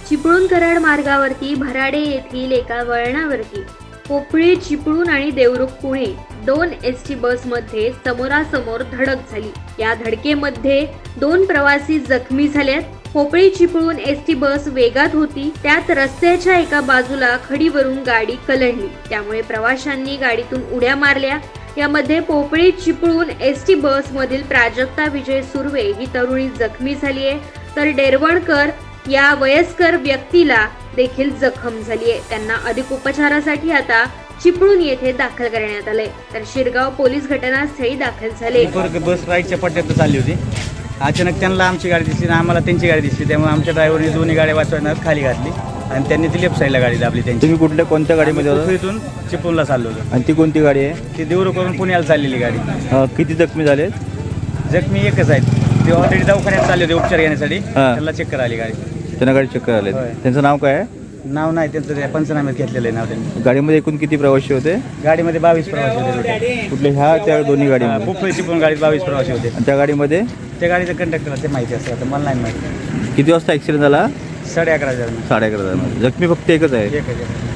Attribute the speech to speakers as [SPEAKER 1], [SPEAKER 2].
[SPEAKER 1] चिपळूण कराड मार्गावरती भराडे येथील एका वळणावरती पोपळी चिपळूण आणि देवरुख पुणे 2 एसटी बसमध्ये समोरासमोर धडक झाली। या धडकेमध्ये 2 प्रवासी जखमी झालेत। पोपळी चिपळूण एसटी बस वेगात होती, त्यात रस्त्याच्या एका बाजूला खडीवरून गाडी कलंडली, त्यामुळे प्रवाशांनी गाडीतून उड्या मारल्या। यामध्ये पोपळी चिपळूण एसटी बस मधील प्राजक्ता विजय सुर्वे ही तरुणी जखमी झाली आहे, तर डेरवणकर या वयस्कर व्यक्तीला देखील जखम झाली आहे। त्यांना अधिक उपचारासाठी आता चिपळूण येथे दाखल करण्यात आले, तर शिरगाव पोलीस घटनास्थळी दाखल झाले।
[SPEAKER 2] बस राईटच्या पट्ट्यात चालली होती। अचानक त्यांना आमची गाडी दिसली आणि आम्हाला त्यांची गाडी दिसली, त्यामुळे आमच्या ड्रायव्हरने दोन्ही गाड्या वाचवण्यात खाली घातली आणि त्यांनी ती लेफ्ट साईडला गाडी दाबली त्यांची।
[SPEAKER 3] तुम्ही कोणत्या गाडीमध्ये होता?
[SPEAKER 2] इथून चिपळूणला चाललो होतो।
[SPEAKER 3] आणि ती कोणती गाडी आहे?
[SPEAKER 2] ती देवरुखवरून पुण्याला चाललेली गाडी।
[SPEAKER 3] किती जखमी झाले?
[SPEAKER 2] जखमी एकच आहेत, ते ऑलरेडी दवाखान्यात चालले होते उपचार घेण्यासाठी। त्याला चक्कर आली गाडी,
[SPEAKER 3] त्यांना गाडी चक्कर आले। त्यांचं नाव काय आहे?
[SPEAKER 2] नाव नाही त्यांचं, त्या पंचनाम्यात घेतलेलं आहे नाव त्यांनी।
[SPEAKER 3] गाडीमध्ये एकूण किती प्रवासी होते?
[SPEAKER 2] गाडीमध्ये 22 प्रवासी होते।
[SPEAKER 3] कुठले ह्या त्या दोन्ही गाडीमध्ये?
[SPEAKER 2] पोपळी चिपळूण गाडीत 22 प्रवासी होते।
[SPEAKER 3] आणि त्या गाडीमध्ये
[SPEAKER 2] त्या गाडीचं कंडक्टरला ते माहिती असतं, आता मला नाही माहिती।
[SPEAKER 3] किती वाजता ॲक्सिडेंट झाला?
[SPEAKER 2] 11:30
[SPEAKER 3] 11:30 जखमी फक्त एकच आहे?
[SPEAKER 2] एक